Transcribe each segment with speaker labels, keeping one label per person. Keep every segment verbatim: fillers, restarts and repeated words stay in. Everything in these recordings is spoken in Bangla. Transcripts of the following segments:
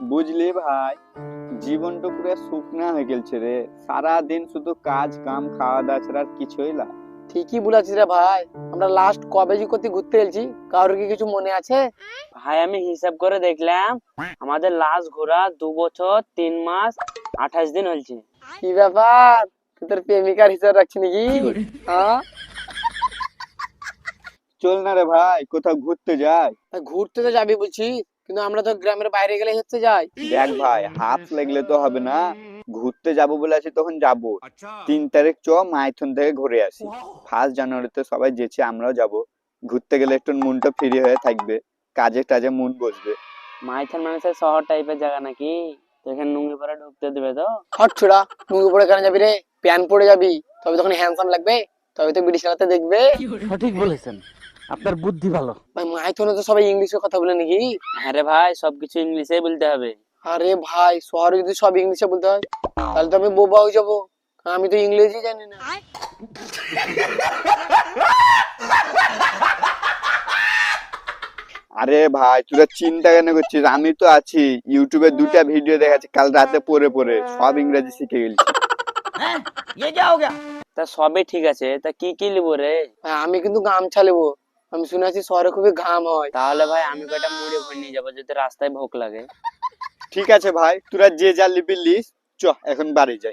Speaker 1: বুঝলি ভাই, জীবনটা পুরো শুকনা হয়ে গেছে রে। সারা দিন শুধু কাজ কাম খাওয়া দাওয়া ছাড়া আর কিছুই না।
Speaker 2: ঠিকই বলেছিস রে ভাই। আমরা লাস্ট কবে যে কোথায় ঘুরতে গেছি, কারোর কি কিছু মনে আছে?
Speaker 3: ভাই আমি হিসাব করে দেখলাম আমাদের লাস্ট ঘোরা দু বছর তিন মাস আঠাশ দিন হয়েছে।
Speaker 2: কি ব্যাপার, তুই তোর প্রেমিকার হিসাব রাখছি নাকি? হ্যাঁ,
Speaker 1: চল না রে ভাই, কোথাও ঘুরতে যাই।
Speaker 2: তা ঘুরতে তো যাবি বলছি, কিন্তু আমরা তো গ্রামের বাইরে গেলে হচ্ছে যাই।
Speaker 1: দেখ ভাই, হাত লাগলে তো হবে না। ঘুরতে যাবো বলে আছি তখন যাবো। তিন তারিখ চ মাইথন থেকে ঘুরে আসি। ফার্স্ট জানুয়ারিতে সবাই যেছে, আমরাও যাব। ঘুরতে গেলে একটু মনটা ফ্রি হয়ে থাকবে, কাজে টাজে মন বসবে।
Speaker 3: মাইথান মানুষের শহর টাইপের জায়গা নাকি? তো এখানে নুঙ্গি পরে ঢুকতে দেবে তো?
Speaker 2: হট ছোড়া, মুখে পড়ে কেন যাবি রে? প্যান পরে যাবি, তবে তখন হ্যান্ডসাম লাগবে, তবে তো বিড়ি চালাতে দেখবে।
Speaker 4: সঠিক বলেছেন, আপনার বুদ্ধি ভালো।
Speaker 2: ভাই মাইথনে তো সবাই ইংলিশে কথা বলে নাকি?
Speaker 3: হ্যাঁ রে ভাই, সবকিছু ইংলিশে বলতে হবে।
Speaker 2: আরে ভাই, শহরে যদি সব ইংলিশে বলতে হয় তাহলে তো আমি বোবা হয়ে যাবো, আমি তো ইংরেজি জানি না।
Speaker 1: আরে ভাই, তোরা চিন্তা কেন করছিস? আমি তো আছি। ইউটিউবে দুটা ভিডিও দেখাচ্ছি কাল রাতে পড়ে পড়ে, সব ইংরেজি শিখে গেছি।
Speaker 3: তা সবই ঠিক আছে, তা কি কি লিবো রে?
Speaker 2: ভাই, আমি কিন্তু গামছা নেবো। আমি শুনেছি শহরে খুবই ঘাম হয়।
Speaker 3: তাহলে ভাই আমি কয়টা মুড়ি ভরে নিয়ে যাবো যদি রাস্তায় ভোক লাগে।
Speaker 1: ঠিক আছে ভাই, তোরা যে যা লিবি লিস। চ এখন বাড়ি যাই।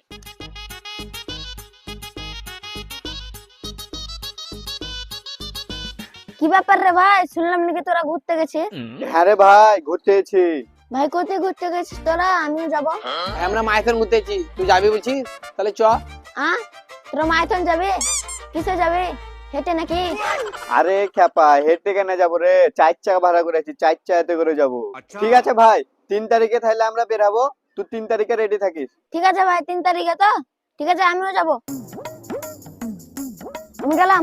Speaker 5: কি ব্যাপার রে ভাই, শুনলাম নাকি তোরা ঘুরতে গেছিস?
Speaker 1: হ্যাঁ রে ভাই, ঘুরতে এসেছি।
Speaker 5: ভাই কোথায় ঘুরতে গেছিস তোরা? আমিও যাবো।
Speaker 2: ভাই, আমরা মাইথন ঘুরতে এসেছি, তুই যাবি বলছিস? তাহলে চ।
Speaker 5: হ্যাঁ, তোরা মাইথন যাবে? কিসে যাবে, হেঁটে নাকি?
Speaker 1: আরে খ্যাপা, হেঁটে কেন যাবো রে? চার চাকা ভাড়া করে আছি, চার চাকাতে করে যাবো। ঠিক আছে ভাই, তিন তারিখে তাহলে আমরা বেরাবো। তুই তিন তারিখে রেডি থাকিস।
Speaker 5: ঠিক আছে ভাই, তিন তারিখে তো? ঠিক আছে, আমিও যাবো। আমি গেলাম।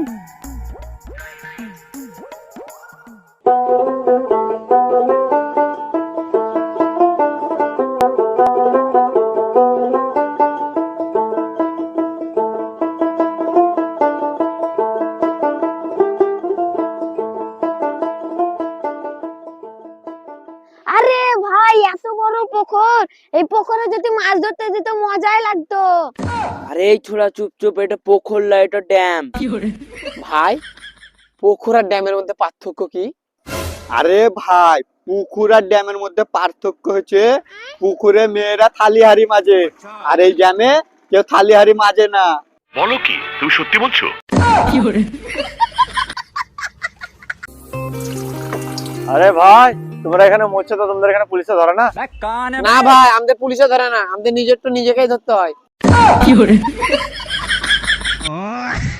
Speaker 5: আরে ভাই, এত বড় পুকুর, এই পুকুরে যদি মাছ ধরতে দিত মজাই লাগতো।
Speaker 3: আরে এই ছোড়া চুপ চুপ, এটা পোখর না, এটা ড্যাম।
Speaker 2: ভাই, পুকুর আর ড্যামের মধ্যে পার্থক্য কি?
Speaker 1: আরে ভাই, পুকুর আর ড্যামের মধ্যে পার্থক্য হচ্ছে পুকুরে মেয়েরা থালি হাড়ি মাজে, আর এই ড্যামে কেউ থালি হাড়ি মাজে না।
Speaker 6: বলো কি, তুমি সত্যি বলছো?
Speaker 4: আরে ভাই, তোমরা এখানে মরছো তো তোমাদের এখানে পুলিশে ধরে না?
Speaker 2: না ভাই, আমাদের পুলিশে ধরে না, আমাদের নিজের তো নিজেকেই ধরতে হয়।